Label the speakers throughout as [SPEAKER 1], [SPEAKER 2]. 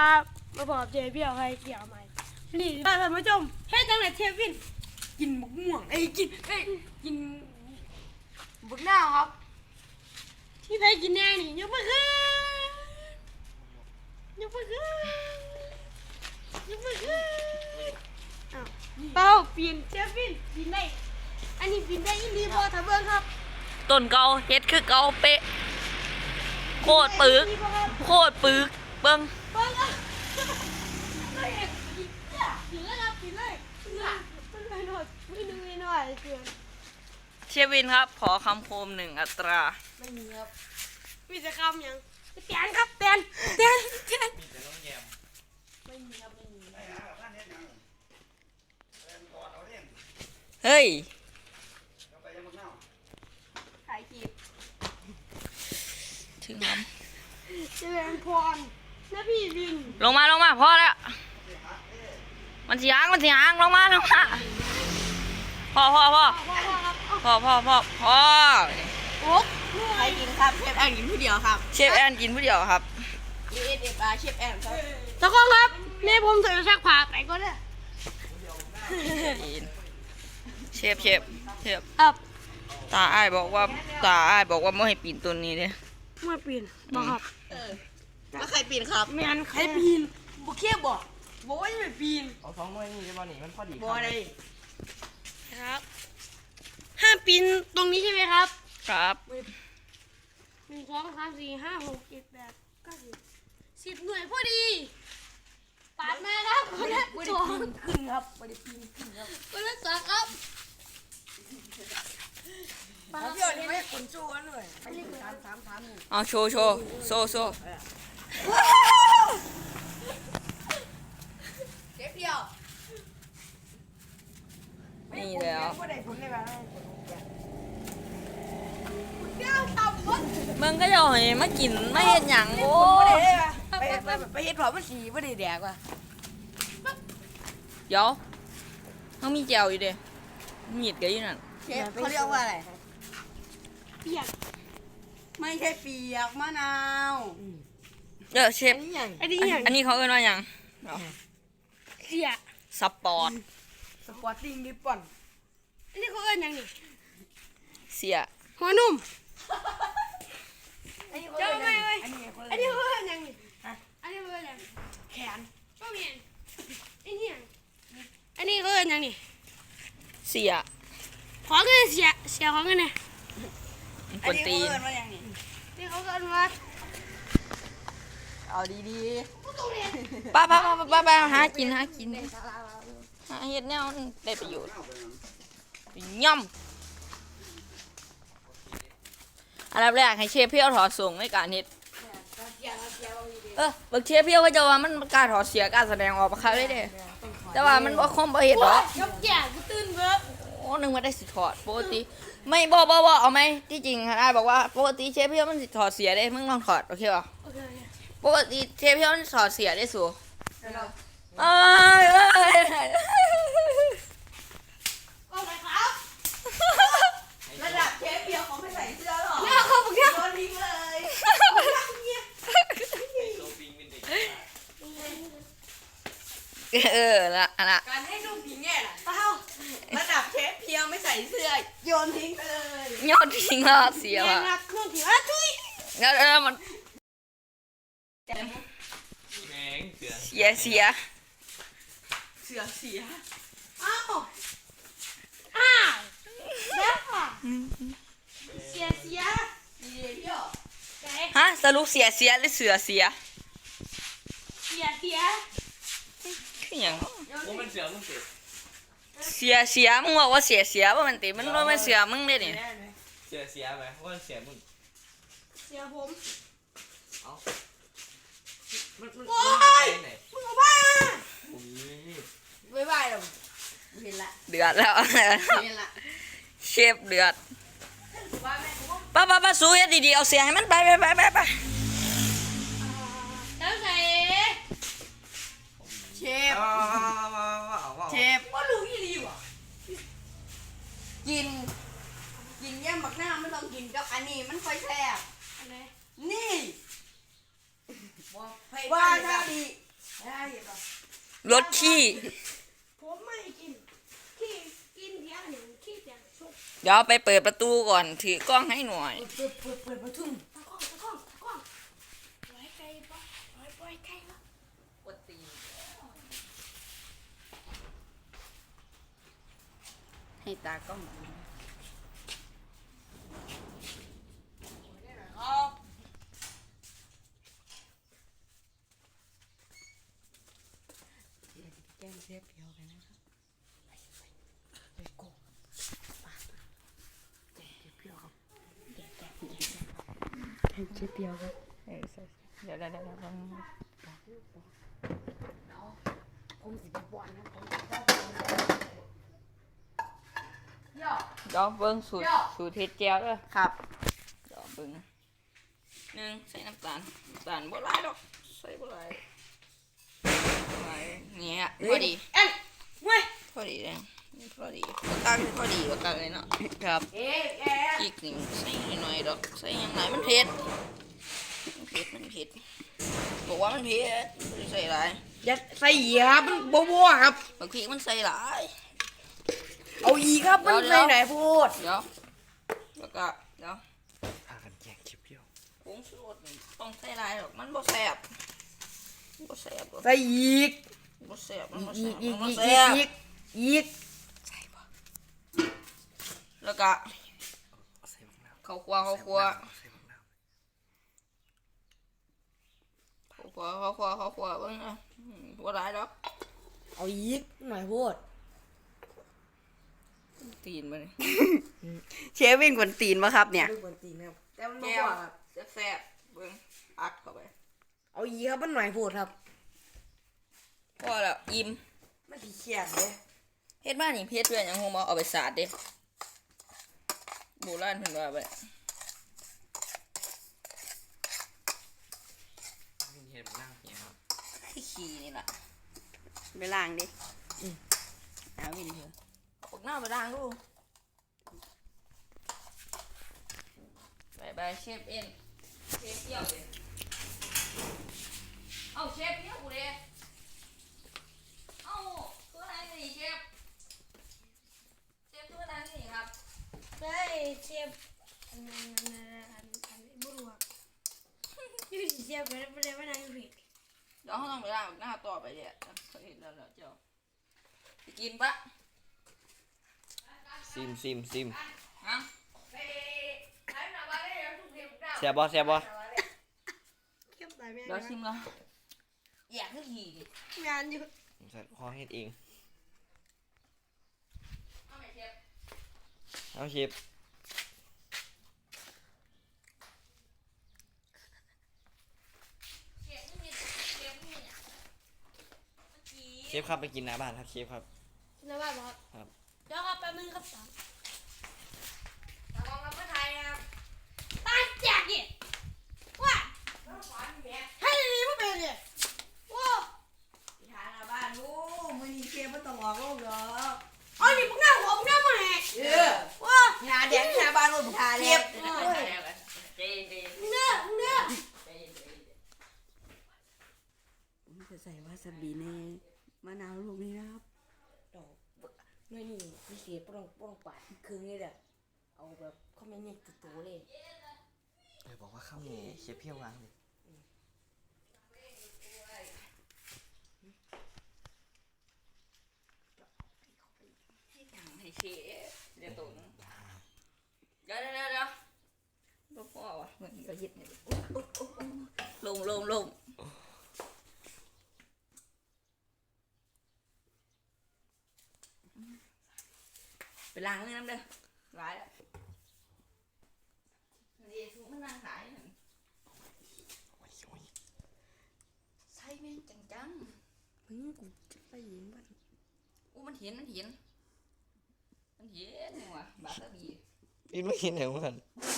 [SPEAKER 1] ครับมาบอกเจพี่เอาให้เกี่ยวใหม่นี่ท่านผู้ชมเฮ็ดจังไหนเชฟวินกินมะม่วงกินบุกหน้าครับที่ไทยกินแน่นี่ยกมือขึ้นยกมือขึ้นยกมือขึ้นอ้าวเต้าปีนเชฟวินปีนได้อันนี้ปีนได้ยินดีพอทำเบิ้งครับ
[SPEAKER 2] ต้นเกาเฮ็ดคือเกาเป๊ะโคตรปึกโคตรปึกเบิ้ง
[SPEAKER 1] เบิ้งอ่ะกินเลยครับกินเลยไม่หน่อยไม่หน่อยเกิน
[SPEAKER 2] เชฟวินครับขอคำโคม1 อัตรา
[SPEAKER 1] ไม่มีครับมีแต่คำยังแตนครับแตน
[SPEAKER 3] มีแต่น้องแยม
[SPEAKER 1] ไม่มีครับไม่มี
[SPEAKER 2] เฮ้ย
[SPEAKER 1] ถ่ายคลิป
[SPEAKER 2] ถึงครับ
[SPEAKER 1] เจริญพรนะพี่วิน
[SPEAKER 2] ลงมาพอแล้วมันสิหางลงมาพอ
[SPEAKER 1] โอ๊ก
[SPEAKER 4] ใครกินครับเชฟแอนกินผู้เดียวครับ
[SPEAKER 2] เชฟแอนกินผู้เดียวครับ
[SPEAKER 4] DSFR เชฟแอนครับ
[SPEAKER 1] ตะก้องครับนี่ผมใส่ซักผ้าไปก็ได้
[SPEAKER 2] เชฟ
[SPEAKER 1] ครับ
[SPEAKER 2] ตาอ้ายบอกว่าไม่ให้ปีนต้นนี้เลย
[SPEAKER 1] ไม่ปีนบอกครับ
[SPEAKER 4] แล้วใครปีนครับ
[SPEAKER 1] ไม่อันใครปีนบุกเคียบบอกว่าจะไปปีน
[SPEAKER 3] เอา2 หน่วยนี่ได้บ่นี่มันพอดี
[SPEAKER 4] บ่ได้
[SPEAKER 1] ครับห้ามปีนตรงนี้ใช่ไหมครับ
[SPEAKER 2] ครับ
[SPEAKER 1] 1 2 3 4 5 6 7 8 9 10หน่วยพอดีปาดมาครับคนละสอง
[SPEAKER 4] ขึ้นครับบ่ได้ปีนขึ้นครับ
[SPEAKER 1] คนละสองครับ
[SPEAKER 4] พี่นี่ไม่ขนสู้กันเลยไปนี่ถามนี่
[SPEAKER 2] เอาโชว์โซ
[SPEAKER 4] เชฟเดียว
[SPEAKER 2] นี่แล้ว
[SPEAKER 4] บ่ได้ผลเลยว่า
[SPEAKER 2] มึงก็จะเอาให้มากินไม่เห็นหยังโอ้
[SPEAKER 4] ไปเฮ็ดพอมันสีบ่ได้แดกว่ะ
[SPEAKER 2] เดี๋ยวต้องมีแจวอยู่เด้มีดก็อยู่นั่น
[SPEAKER 4] เชฟเขาเรียกว่าอะไร
[SPEAKER 1] เปียก
[SPEAKER 4] ไม่ใช่เปียกมะนาว
[SPEAKER 2] เชฟ
[SPEAKER 1] อันนี้อย่าง
[SPEAKER 2] อันนี้เขาเอิ้นว่าหยัง
[SPEAKER 1] เสีย
[SPEAKER 2] สปอร์ต
[SPEAKER 4] ติ้งริบบอน
[SPEAKER 1] อันนี้เขาเอิ้นอย่างนี้
[SPEAKER 2] เสีย
[SPEAKER 1] หัวนุ่ม
[SPEAKER 4] เจ้าไม่เว้ย
[SPEAKER 1] อันนี้เขาเอิ้นอย่างนี้อันนี้เขาเอิ้นอย่าง
[SPEAKER 4] แขน
[SPEAKER 1] ก็มีอันนี้อย่างอันนี้เขาเอิ้นอย่างนี้
[SPEAKER 2] เสีย
[SPEAKER 1] ของเงินเสียของเงินเนี่ย
[SPEAKER 2] คนตีน
[SPEAKER 1] นี่เขาเอิ้นว่า
[SPEAKER 4] เอาดี
[SPEAKER 2] ป้าหากินหาเฮ็ดแนวได้ประโยชน์ย่ำอันดับแรกให้เชฟเพียวถอดส่งในการเฮ็ดบักเชฟเพียวก็จะว่ามันกล้าถอดเสียกล้าแสดงออกประคับได้เด้แต่ว่ามันบ่คมบ่เฮ็ดหรอก
[SPEAKER 1] ยกแก่กูตื่นเบ้อ
[SPEAKER 2] โอ้นึกว่าได้สิถอดปกติไม่บ่เอาไหมที่จริงได้บอกว่าปกติเชฟเพียวมันสิถอดเสียได้มึงลองถอดโอเคป่ะปกติเชฟเพียวมันถอดเสียได้สู
[SPEAKER 1] โอ้ยครับ
[SPEAKER 4] ระดับเชฟเปียกของไม่ใส่เสื้อหรอ
[SPEAKER 1] แล้วเขาบอกว่า
[SPEAKER 4] โดนทิ้งเลย
[SPEAKER 2] ละ
[SPEAKER 4] การให้ลูกทิ้งเนี่ยเปล่าระดับเชฟเพียวไม่ใส่เสื้อโยนทิ้งไปเลย
[SPEAKER 2] โยนทิ้งแล้วเสียว่ะ
[SPEAKER 1] เครื่องถือว่าทุย
[SPEAKER 2] มัน
[SPEAKER 3] แมงเสือ
[SPEAKER 2] เสีย
[SPEAKER 1] อ้าวแล้วค่ะเสีย
[SPEAKER 4] ดีเพียว
[SPEAKER 2] ฮะสรุปเสียหรือเสือเสียคือหยัง
[SPEAKER 3] ว่ามันเสือมึงติ
[SPEAKER 2] เสียมึงบอกว่าเสียว่ามันติมันว่ามันเสือมึงเลยนี่
[SPEAKER 3] เสียไหมว่าเสียมึง
[SPEAKER 1] เสียผม
[SPEAKER 3] เอามัน
[SPEAKER 1] โอ้ยมึงเอาบ้า
[SPEAKER 4] บ๊ายบายหรอเห็นละ
[SPEAKER 2] เดือดแล้วเชฟเดือดป้าสู้ให้ดีๆเอาเสียให้มันไป
[SPEAKER 1] แล้วใส่
[SPEAKER 4] เชฟว่ารู้ยี่ดีว่ะกินแย่มบักหน้าไม่ต้องกินกับอันนี้มันค่อยแซ่บนี่ว่าถ้าดี
[SPEAKER 2] รถขี้
[SPEAKER 1] ผมไม่กินขี้กินเดียวหนึ่งขี้แต่สุก
[SPEAKER 2] เดี๋ยวไปเปิดประตูก่อนถือกล้องให้หน่อย
[SPEAKER 4] เปิดประตู
[SPEAKER 1] ตะก้องไว้ไกลปะไว้ไกลปะ
[SPEAKER 2] กดตีให้ตากล้อง
[SPEAKER 4] แก้มเสียเพียวกันนะครับไปโกแก้มเสียเพียวครับแก้มเสียเพียวครับ
[SPEAKER 2] เดี๋ยว
[SPEAKER 4] ผมสิบปอนนะผม
[SPEAKER 2] เดี๋ยวเบิ้งสูตรเทศเจียวด้วย
[SPEAKER 4] ครับ
[SPEAKER 2] เดี๋ยวเบิ้งหนึ่งใส่น้ำตาลบ่หลายดอกใส่บ่หลายเนี่ยพอดี
[SPEAKER 1] เอ็นเว้ย
[SPEAKER 2] พอดีเลยพอดีตักพอดีก็ตักเลยเนาะครับ
[SPEAKER 4] เอ๊ะ
[SPEAKER 2] อีกหนึ่งใส่หน่อยดอกใส่อยังไงมันเผ็ดบอกว่ามันเผ็ดไม่ได้ใส่หลาย
[SPEAKER 4] อย่าใส่เหยียบมันบัวครับ
[SPEAKER 2] บางทีมันใส่หลาย
[SPEAKER 4] เอาอีกครับมัน
[SPEAKER 2] เดี๋
[SPEAKER 4] ใส่
[SPEAKER 2] ยว
[SPEAKER 4] ไหนพูด
[SPEAKER 2] เดี๋ยวแล้วก็เดี๋ยว
[SPEAKER 3] พากันแย่งคลิปเดียว
[SPEAKER 2] ผงชูรสนี่ต้องใส่หลายดอกมันบ่แซ่บบ่แซ่บ
[SPEAKER 4] ใส่อีก
[SPEAKER 2] บ่แซ่บมันบ่
[SPEAKER 4] อี
[SPEAKER 2] แซ่
[SPEAKER 4] ก
[SPEAKER 2] บ
[SPEAKER 4] อี
[SPEAKER 2] มัน
[SPEAKER 4] ก
[SPEAKER 2] บ่
[SPEAKER 4] อี
[SPEAKER 2] แซ่
[SPEAKER 4] ก
[SPEAKER 2] บ
[SPEAKER 4] อีกอีก
[SPEAKER 2] แล้วก็
[SPEAKER 3] ใส่บักน้ำ
[SPEAKER 2] ข้าวคั่ว
[SPEAKER 3] ใส่บักน้ำ
[SPEAKER 2] เบิ่งนะบ่หลายดอก
[SPEAKER 4] เอาอีกหน่อยพูด
[SPEAKER 2] ตีนมาเลย
[SPEAKER 4] เชฟวินกวนตีนมาครับเนี่ยกวนตีนครับแต่มัน
[SPEAKER 2] แก้
[SPEAKER 4] บ่
[SPEAKER 2] ว
[SPEAKER 4] ว่าครับ
[SPEAKER 2] แซ่บๆเบิ่งอัดเข้าไป
[SPEAKER 4] เอาอีกครับมันหน่อยพูดครับ
[SPEAKER 2] พอแล้วอิ่ม
[SPEAKER 4] มันสีเขียนเลย
[SPEAKER 2] เฮ็ดมานี่เฮ็ดเพื่อนหยังคงมาเอาไปสาดเด้โบราณเพิ่นว่าไป
[SPEAKER 3] นี่เห็นบักน้ำเนี่ยครับ
[SPEAKER 2] ที่ขี้นี่ล่ะ
[SPEAKER 4] ไปล้างดิเอาวินเถอะ
[SPEAKER 2] เอาพวกหน้าไปล้างดูบายเชฟเอ็นเชฟเปรี้ยวเด้เอาเชฟเปรี้ยวกูเด้เอาตัวไหนนี่เชฟตัวไหนนี่ครับ
[SPEAKER 1] ได้เทียบอันบุรุษยูเทียบไปได้ไม่นานอยู่ผิด
[SPEAKER 2] เดี๋ยวเขาต้องไปล้างหน้าต่อไปเดี๋ยวเขาเห็นแล้วเจ้าจะกินปะ
[SPEAKER 3] ซิม
[SPEAKER 2] ฮะ
[SPEAKER 3] เสียบ่
[SPEAKER 1] เข้มตายไม่
[SPEAKER 2] เดี๋ยว
[SPEAKER 1] ได้
[SPEAKER 2] ชิมแล้วอยากให้ขี่ดิ
[SPEAKER 1] งานอยู่
[SPEAKER 3] ผมใส่ข้อเฮ็ดเอง
[SPEAKER 2] เอาไหมเชฟ
[SPEAKER 3] เอาเชฟ
[SPEAKER 2] เชฟไม่มีเชฟไม่มีเนี่ยเมื่อกี้
[SPEAKER 3] เชฟครับไปกินหน้าบ้านครับเชฟครับ
[SPEAKER 1] แล้วว่าบอก
[SPEAKER 3] ครับ
[SPEAKER 1] เดี๋ยวครับแป๊บนึงครับสาม
[SPEAKER 2] ตะกองรับประทานนะครับ
[SPEAKER 1] ตายแจกดิว่าให้ดีๆไม่เป็นดิว้า
[SPEAKER 4] ทานบ้านลูกมันนี่เชฟมันต้องออกลูกเหรอ
[SPEAKER 1] อ๋อนี่พวกหน้าหัวพวกหน้ามาแหก ว้า
[SPEAKER 4] หาเด็กหาบ้านลูกทานเชฟ
[SPEAKER 2] เจน
[SPEAKER 1] เนื้อ
[SPEAKER 4] ผมจะใส่วาซาบิในมะนาวลูกนี้นะครับดอกน้อยนี่พี่เชฟต้องปาดครึ่งเลยเด้อเอาแบบเขาไม่เนี่ยตัวโตเลย
[SPEAKER 3] บอกว่าข้าวเหนียวเชฟเพี้ยววางเลย
[SPEAKER 2] ให้เชฟเดี๋ยวตุ๋นเดี๋ยวบ่พอว่ะเหมือนกระยิบเนี่ยลงไปล้างเลยน้ำเด้อร้ายแล้วเดี๋ยวมันนั่งขายนั่นใส่แม่งจัง
[SPEAKER 4] กูจะไปยิงบ้าน
[SPEAKER 2] อู้มันเห็นว่ะบาตาบี
[SPEAKER 3] นี่ไม่เห็นเหรอมัน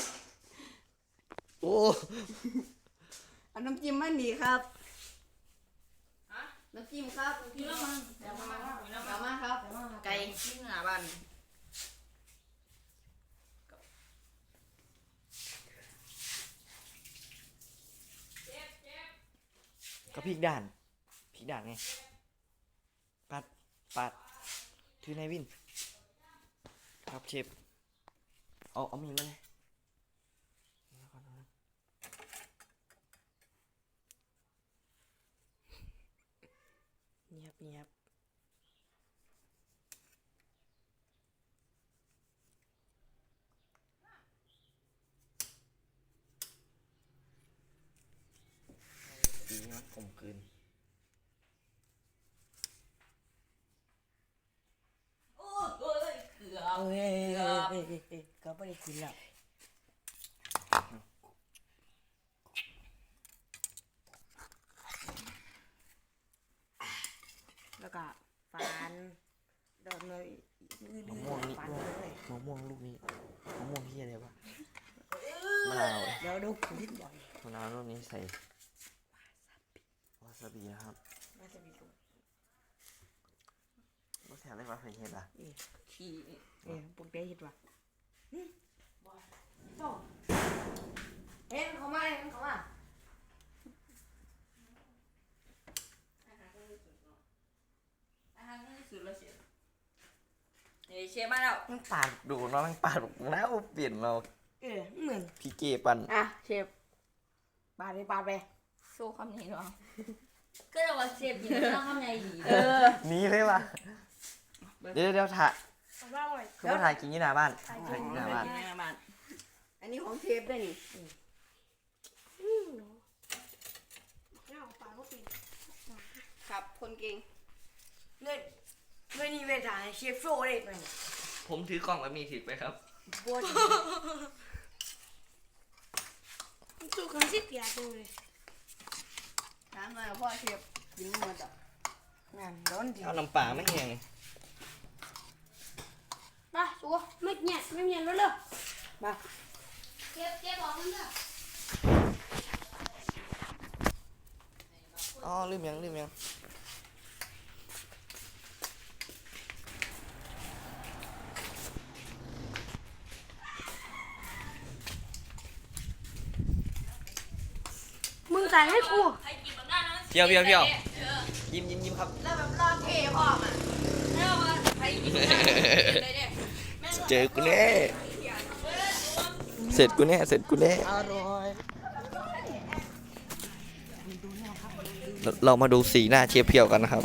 [SPEAKER 3] โอ้
[SPEAKER 4] เอาน้ำจิ้มมันดีครับ
[SPEAKER 2] ฮะ
[SPEAKER 4] น้ำจิ้มครับ
[SPEAKER 2] พี่ละมันเดี๋ยวมา
[SPEAKER 4] เอามาครับ
[SPEAKER 2] ไก่ที่หน้าบ้าน
[SPEAKER 3] ก็พริกด่านไงปัดถือนายวินครับเชฟเอามีดมาเลยเงียบดีมันกลมกลืน
[SPEAKER 2] โอ้ยเกือบ
[SPEAKER 4] เอ้ยก็ไม่ได้กินแล้วแล้วก็ฟันโดนเลย
[SPEAKER 3] มะม่วงนี่
[SPEAKER 4] ฟัน
[SPEAKER 3] ด้วย
[SPEAKER 4] เลย
[SPEAKER 3] มะม่วงลูกนี้มะม่วงที่อะไรวะมะนาว
[SPEAKER 4] เดี๋ยวดูผมนิดบ่อย
[SPEAKER 3] มะนาวลูกนี้ใส่วาซาบินะครับ
[SPEAKER 4] น่าจะมีตัว
[SPEAKER 3] รสแถมได้ปะเคยเห็นอ่ะ
[SPEAKER 2] ขี้
[SPEAKER 4] พวกเด็กเห็นว่ะโตเห็นเขามา
[SPEAKER 2] อาหารที่สุดแล้วเชฟเชฟมาแล้ว
[SPEAKER 3] มันปาดดูเนาะมันปาดแล้วเปลี่ยนเรา
[SPEAKER 4] เหมือน
[SPEAKER 3] พี่เจปัน
[SPEAKER 4] อ่ะเชฟปาดไป
[SPEAKER 2] โซ่คำนี้เนาะก็จะว่าเชฟกินข้าวคำใหญ่ดี
[SPEAKER 3] หนี้เลยว่ะเดี๋ยวถ่าย
[SPEAKER 1] เอาบ้างเลย
[SPEAKER 3] คือว่าถ่ายกินที่หน้าบ้านถ่ายกินที่หน้าบ้าน
[SPEAKER 4] อันนี้ของเชฟได้นี่
[SPEAKER 1] เนี่ยเอาปลาก็เป็น
[SPEAKER 4] ครับคนเก่งเล่นนี่เวทาเชฟโซ่เลยมัน
[SPEAKER 3] ผมถือกล่องแบบนี้ถือไปครับ
[SPEAKER 4] บวช
[SPEAKER 1] สู้กันสิเปียดูเลย
[SPEAKER 4] ถามหน่อยพ่อเชฟกินมาจากงานร้อนดี
[SPEAKER 3] เอาน้ำปลาไม่แห้ง
[SPEAKER 1] มาสู้ไม่เงียบแล้วเลย
[SPEAKER 4] มา
[SPEAKER 1] เก็บบอกมันเถอะ
[SPEAKER 3] อ๋อลืมยัง
[SPEAKER 1] มึงใส่ให้กู
[SPEAKER 2] ใครกินแบบนั้นนะ
[SPEAKER 3] เพียวยิ้มครับ
[SPEAKER 2] แล้วแบบรอเทพร้อมอ่ะแล้วว่าใครกินแบบนั้นเลยเนี่ย
[SPEAKER 3] เจอกูแน่เสร็จกูแน่
[SPEAKER 4] อร่อย
[SPEAKER 3] เรามาดูสีหน้าเชฟเพียวกันนะครับ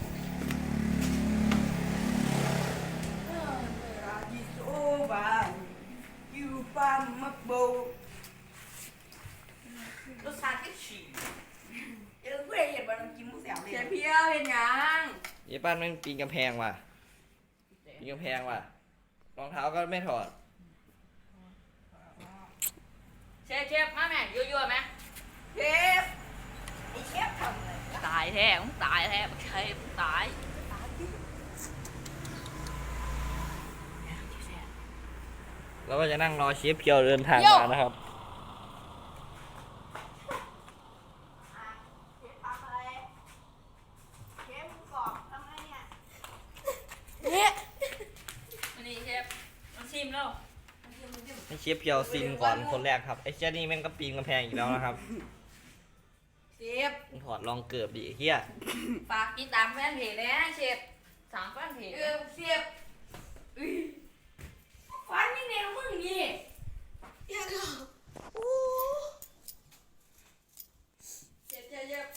[SPEAKER 4] โอบาอยู่ปามักโบ
[SPEAKER 2] รสชาติก็ฉี่
[SPEAKER 4] เออเพื่อนเห็นว่าน้ำจิ้มมุ้งแสบเลย
[SPEAKER 2] เชฟเพียวเห็นยัง
[SPEAKER 3] เย้ป้านมันปีนกำแพงว่ะรองเท้าก็ไม่ถอด
[SPEAKER 2] เชฟมาแม่ยั่วๆไหม
[SPEAKER 4] เชฟไอเชฟทำอะไร
[SPEAKER 2] ตายแท้มึงตายแท้เชฟมึงตาย
[SPEAKER 3] แล้วก็จะนั่งรอเชฟเพียวเดินทางมานะครับ
[SPEAKER 2] วันนี้เชฟมันชิมแล้ว
[SPEAKER 3] ให้เชฟเพียวซิมก่อนคนแรกครับไอ้เจ้านี่แม่งก็ปีนกำแพงอีกแล้วนะครับ
[SPEAKER 2] เชฟ
[SPEAKER 3] มึงถอดรองเกือบดิไอ้เฮีย
[SPEAKER 2] ฝากติดตามแฟนเพจเลยนะเชฟ3แฟนเพจ
[SPEAKER 4] เชฟฟันนี่แนวมึงนี่ยังก็โอ้
[SPEAKER 2] เชฟ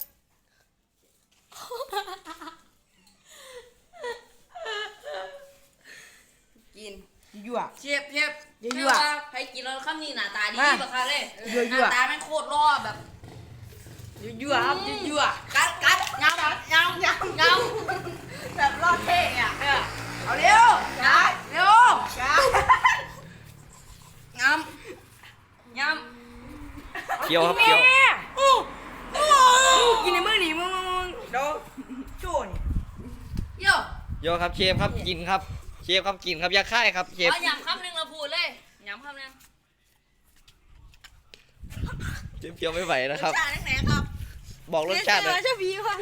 [SPEAKER 4] กินยั่ว
[SPEAKER 2] เชฟ
[SPEAKER 4] ยั่ว
[SPEAKER 2] ใครกินแล้วคำนี้หน้าตาดี
[SPEAKER 4] มา
[SPEAKER 2] แบบค่ะเลย
[SPEAKER 4] ยั่ว
[SPEAKER 2] หน้าตาแม่งโคตรรอแบบ
[SPEAKER 4] ยั่วครับยั่ว
[SPEAKER 2] กัดเงาแบบรอดเท่อะ
[SPEAKER 4] เอาเร็วช้าเร็วช้า
[SPEAKER 2] เงา
[SPEAKER 3] เพียวครับเพียว
[SPEAKER 4] กินในมือหนีมึงเดี๋ยวโจ้นี่
[SPEAKER 2] โย่
[SPEAKER 3] โยครับเชฟครับกินครับเชฟครับกินครับอยาค่ายครับเชฟ
[SPEAKER 2] เอาย้ำคำหนึ่งเราพูดเลยย้ำคำหนึ่ง
[SPEAKER 3] เชฟเพียวไม่ไหวนะครับ
[SPEAKER 2] จานไหนครับ
[SPEAKER 3] บอกรสชาติเลย
[SPEAKER 1] เจ้าผีว่ะ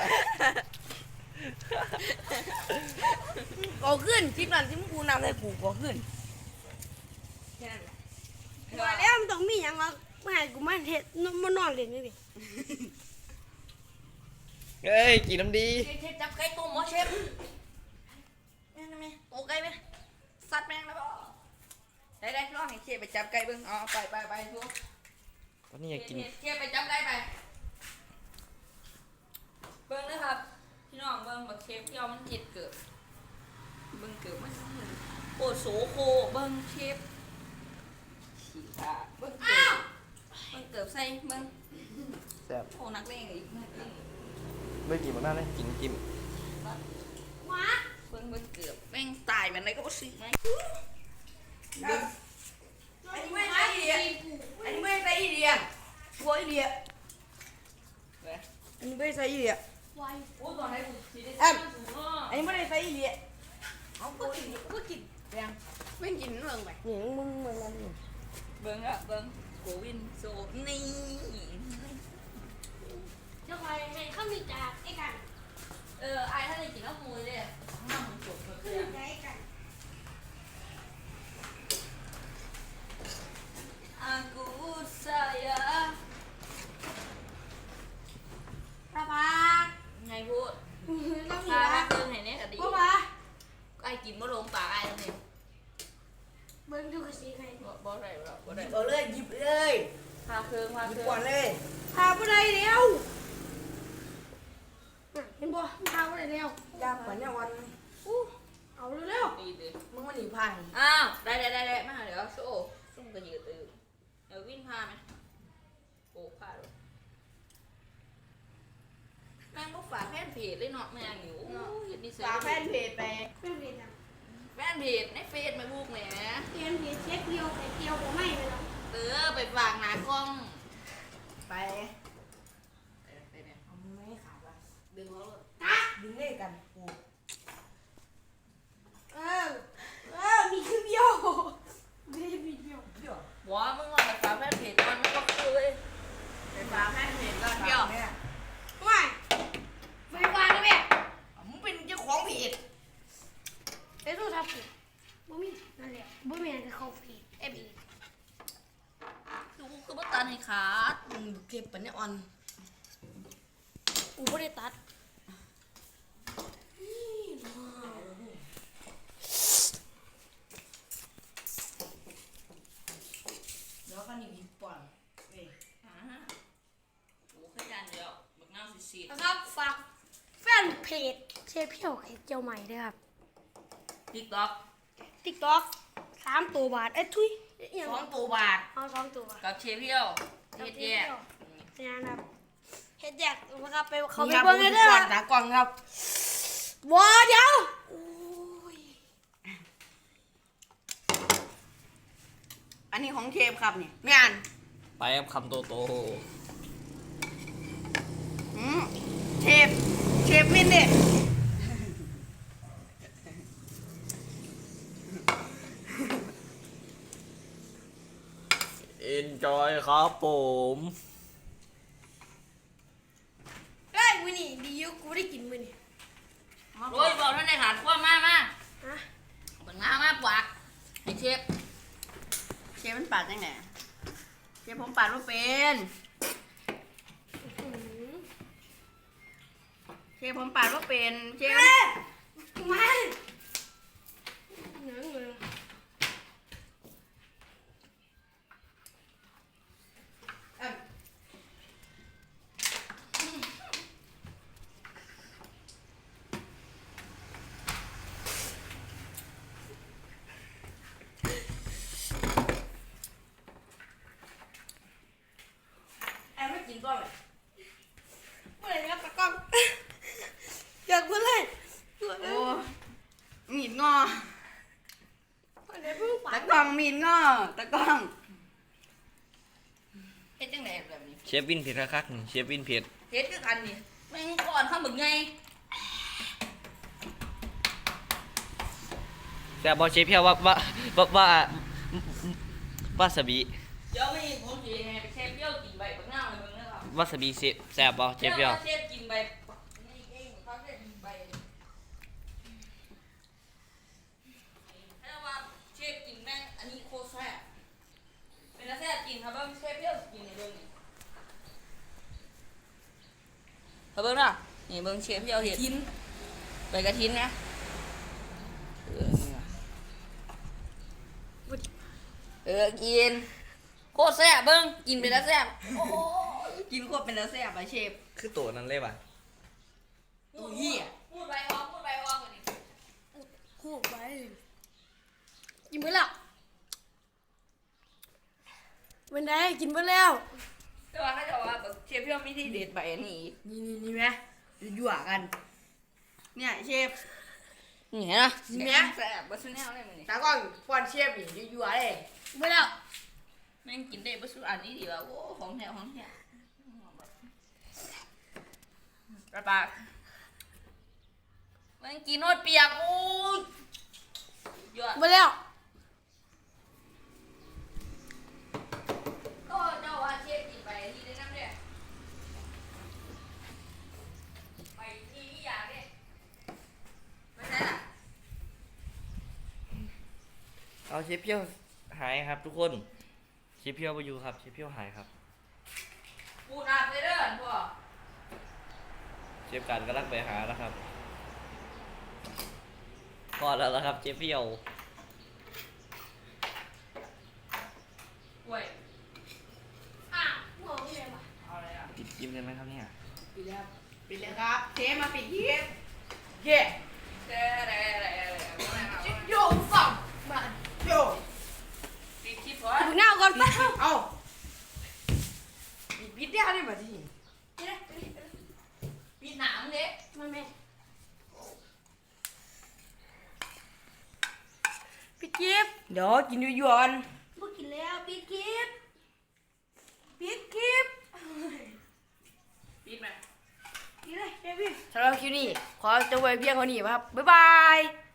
[SPEAKER 4] ก่อขึ้นคลิปนั้นที่มึงกูนำให้กูก่อขึ้น
[SPEAKER 1] ว่าแล้วมันต้องมีอย่างวะไม่ให้กูมาเห็ดมานอนเล่นนี่ดิ
[SPEAKER 3] เฮ้ยกินน้ำดี
[SPEAKER 2] เชฟจับไก่ต้มหมอเชฟแม่งไหมโตไก่ไหมสัตว์แม่งแล้วบ่ได้ลองให้เชฟไปจับไก่เบิ่งอ๋อไปทุก
[SPEAKER 3] ตอนนี้อยากกิน
[SPEAKER 2] เชฟไปจับไก่ไปเบิ่งเลยครับพี่น้องเบิ่งบักเชฟที่เอามันเจ็ดเกิดเบิ่งเกิดมันโคตรโสโคเบิ่งเชฟขี้ขาเบิ่งเกิดใส่เบิ่ง
[SPEAKER 3] แซ่บ
[SPEAKER 2] โอ้นักเลงอีกนักเลง
[SPEAKER 3] ไม่กินมันน่าเลยกิน
[SPEAKER 1] ว้า
[SPEAKER 2] เบิ่งเกือบแม่งตายมันอะไรก็บ่ซื้อไหมอันนี้ไม่ใช่อีเดียอันนี้ไม่ใช่อีเดียวัวอีเดียอันนี้ไม่ใช่อีเดีย
[SPEAKER 1] วาย
[SPEAKER 2] โอ้ตอนไหนกูสิได้
[SPEAKER 4] อันนี้ไม่ได้ใส่อีเลีย
[SPEAKER 2] เอากูกินยังไม่กินเรื่องไป
[SPEAKER 4] นี่มึงนั่นนี่
[SPEAKER 2] เบิ่งอะเบิ่งโกวินโซนี่
[SPEAKER 1] เจ้าคอยให้ข้าวมีจากไอ้กัน
[SPEAKER 2] ไอ้ถ้าได้กินแล้วมูเลยน้ำมันจบหมดเลย
[SPEAKER 1] ไอ้กัน
[SPEAKER 2] Aku sayang
[SPEAKER 1] ป้าป้า
[SPEAKER 2] ไงพูด
[SPEAKER 1] ต้องมี
[SPEAKER 2] พา
[SPEAKER 1] นะ
[SPEAKER 2] เพิ่งเห็นเนี่ยก็ดี
[SPEAKER 1] ป้าป้า
[SPEAKER 2] ไอ้กินบ่ลงปากไอ้ตรงนี้
[SPEAKER 1] เบิ้งดูกระสีใคร
[SPEAKER 2] บ่ได้หรอกบ่ได้
[SPEAKER 4] หยิบเลย
[SPEAKER 2] พาเพิ่ง
[SPEAKER 4] หยิบก่อนเลย
[SPEAKER 1] พาผู้ใดเดียวเห็นบ่พาผู้ใดเดียวย
[SPEAKER 4] าปันเนี่ยวัน
[SPEAKER 1] เอาเร็ว
[SPEAKER 2] ดีดิ
[SPEAKER 4] มึงมาหนีพาย
[SPEAKER 2] อ้าวได้มาเดี๋ยวโซ่ซุ่มก็ยืดตื่นเดี๋ยววิ่งพาไหมโอ้พาเลยแม่งบ่ฝากแฟนเพจเลยเนาะแม่งอยู่เฮ็ดนิสัย
[SPEAKER 4] ฝากแฟนเพจไป
[SPEAKER 1] ๆเป็นเพจอ่ะ
[SPEAKER 2] แฟนเพจในเฟซมาบุกแหม
[SPEAKER 1] เตรียมเพจเช็คเดียวไข่เดียวผมไม่ไปแล้ว
[SPEAKER 2] ไปฝากหน้ากล้อง
[SPEAKER 4] ไป
[SPEAKER 2] ไปเนี่ย
[SPEAKER 4] เอามึงไม่ขาดละ
[SPEAKER 2] ดึงเขาเลย
[SPEAKER 4] ดึงเลขกันกู
[SPEAKER 1] เออมีครึ่งเดียวไม่ได้มีเดียว
[SPEAKER 4] เดี๋ยว
[SPEAKER 2] บอกว่ามึงลองไปฝากแฟนเพจก่อนมึงก็คือเลย
[SPEAKER 4] ไปฝากแฟนเพจก่อน
[SPEAKER 2] เดี๋ยว
[SPEAKER 4] เนี่ย
[SPEAKER 1] ไม่ไปวางนะแม่
[SPEAKER 4] มึงเป็นเจ้าของเพจ
[SPEAKER 1] ไอ้ตู้ทับเพจบ่มีนั่นแหละบ่มีอะไรเข้าเพจเอฟอี
[SPEAKER 2] คือบ่ตันให้ขาด
[SPEAKER 4] มึงเก็บปันเนี่ยอ่อน
[SPEAKER 1] กูไม่ได้ตัด
[SPEAKER 4] เดี๋ยวก็นี่หยิบก่อนเว้ย
[SPEAKER 2] โอ้ขยันเดียวบักน้ำสี
[SPEAKER 1] นะครับฝากแฟนเพจเชฟเพียวไข่เจียวใหม่ด้วยครับ
[SPEAKER 2] ติ๊กต็อก
[SPEAKER 1] ติ๊กต็อก3 ตัวบาทเอ้ยทุยอยัง
[SPEAKER 4] 2 ตัวบาท
[SPEAKER 1] เอา2 ตัวบาท
[SPEAKER 2] กับเชฟเพียวเฮ็ดแย่
[SPEAKER 1] นี่นะครับเฮ็ดแยกนะครับไปเขาไป
[SPEAKER 4] นี่ครับ
[SPEAKER 1] เบิ่งกันเด้อ
[SPEAKER 4] ก่อนนะก่อนครับ
[SPEAKER 1] ว้าเดี๋ยวโอ้ย
[SPEAKER 4] อันนี้ของเชฟครับนี่ไม่อ่าน
[SPEAKER 3] ไปครับคำโต
[SPEAKER 4] อืมเชฟมินดิ
[SPEAKER 3] enjoy ครับผม
[SPEAKER 1] เฮ้ยมื้อนี้ดีอยู่กูได้กินมื้อนี้
[SPEAKER 2] โอ้ยบอกท่านในขาดขั้วมา
[SPEAKER 1] ฮะ
[SPEAKER 2] บักน้ำมาปวักให้เชฟ
[SPEAKER 4] เชฟมันปาดจังไหนเชฟผมปาดว่าเป็น
[SPEAKER 1] อื้อหือ
[SPEAKER 4] เชฟผมปาดว่าเป็นเชฟ
[SPEAKER 1] เอ้ยมาหนังเลย
[SPEAKER 4] แอบไม่กินก็เลย
[SPEAKER 1] เมื่อไหร่ครับตะกล้องอยากพูดเลย
[SPEAKER 4] โอ้มีดงอ
[SPEAKER 1] เมื่อไหร่เพิ่งปา
[SPEAKER 4] ตะ
[SPEAKER 1] ด
[SPEAKER 4] กล้องมีดงอตะกล้อง
[SPEAKER 2] เฮ็ดจังไดแบบนี้
[SPEAKER 3] เชฟวินเผ็ดคักๆนี่เชฟวินเผ็ด
[SPEAKER 2] เฮ็ดคือกันนี่แม่งก่อนข้าวหมึกไง
[SPEAKER 3] แต่บอเชฟเพียววาซาบิ
[SPEAKER 2] เดี๋ยวไม่ผมสิให้เชฟเพียวกินใบบักน้ำให้เบิ่งนะครับ
[SPEAKER 3] วาซาบิแซ่บบอเชฟเพียว
[SPEAKER 2] เชฟกินใบนี่เองเขาได้กินใบให้ว่าเชฟกินแม่งอันนี้โคตรแซ่บเป็นแซ่บจริงครับว่าเชฟเพียวกินในเบิ่งนี่เบิ่งนะนนี่เบิ่งเชฟเพียวเห็ด
[SPEAKER 4] ทิ้น
[SPEAKER 2] ใบกระถินนะกินโคตรแซ่บเบิ่งกินไปแล้วแซ่บโอ้กินโคตรเป็นแล้วแซ่บไปเชฟ
[SPEAKER 3] คือตัวนั้นเลยป่ะ
[SPEAKER 2] ตัวเหี้ยพูดไปออกกว่านี้
[SPEAKER 1] คู่ไปกินไปแล้ววันใดกินไปแล้ว
[SPEAKER 2] แต่ว่าเขาจะว่าแบบเชฟเพียวมีที่เด็ดใบอันนี้อีก
[SPEAKER 4] นี่ไหมยั่วกัน เนี่ยเชฟ
[SPEAKER 2] นี่เห็นไหม
[SPEAKER 4] นี่ไหม
[SPEAKER 2] แซ่บบัสแนลเลยมันนี่
[SPEAKER 4] ตากล้องป้อนเชฟนี่ยั่วๆเลย
[SPEAKER 1] กินไปแล้ว
[SPEAKER 2] แม่งกินได้บัสอันนี้ดีว่าโอ้ของแท้กระปากแม่งกินโนดเปียกโอ้ยยอด
[SPEAKER 1] กินไปแล้ว
[SPEAKER 2] ก็เจ้าว่าเชฟกินไปที่ได้น้ำเนี่ยไปที่อยากเนี่ยไม่ใช่ล่ะ
[SPEAKER 3] เอาเชฟเพียวหายครับทุกคนเชฟเพียวไปอยู่ครับเชฟเพียวหายครับ
[SPEAKER 2] พูดอาบเลยเด้อพ่อ
[SPEAKER 3] เชฟการกำลังไปหาแล้วครับพอแล้วนะครับเชฟเพียว
[SPEAKER 2] เว้ย
[SPEAKER 1] อ่ะหัวไม่เลยว่ะ
[SPEAKER 2] เอาอะไรอ่ะ
[SPEAKER 3] ปิดคลิปเลยไหมครับเนี่ย
[SPEAKER 4] ปิดแล้วปิดเลยครับเชฟมาปิดเชฟเย่
[SPEAKER 2] เด้อะไร
[SPEAKER 4] โยฝั่งมาโย
[SPEAKER 2] ปิดคลิปก่อน
[SPEAKER 1] กินหน้าก่อนไป
[SPEAKER 4] เอาปิดได้ไหมมาที่
[SPEAKER 2] ปิดหนังเด้
[SPEAKER 1] มาแม่ปิดคลิป
[SPEAKER 4] เดี๋ยวกินยั่วๆกัน
[SPEAKER 1] บ่กินแล้วปิดคลิปปิดคลิป
[SPEAKER 2] ปิดไหม
[SPEAKER 1] กินเลยเดวิด
[SPEAKER 4] สำหรับคลิปนี้ขอจบไว้เพียงเท่านี้ครับบ๊ายบาย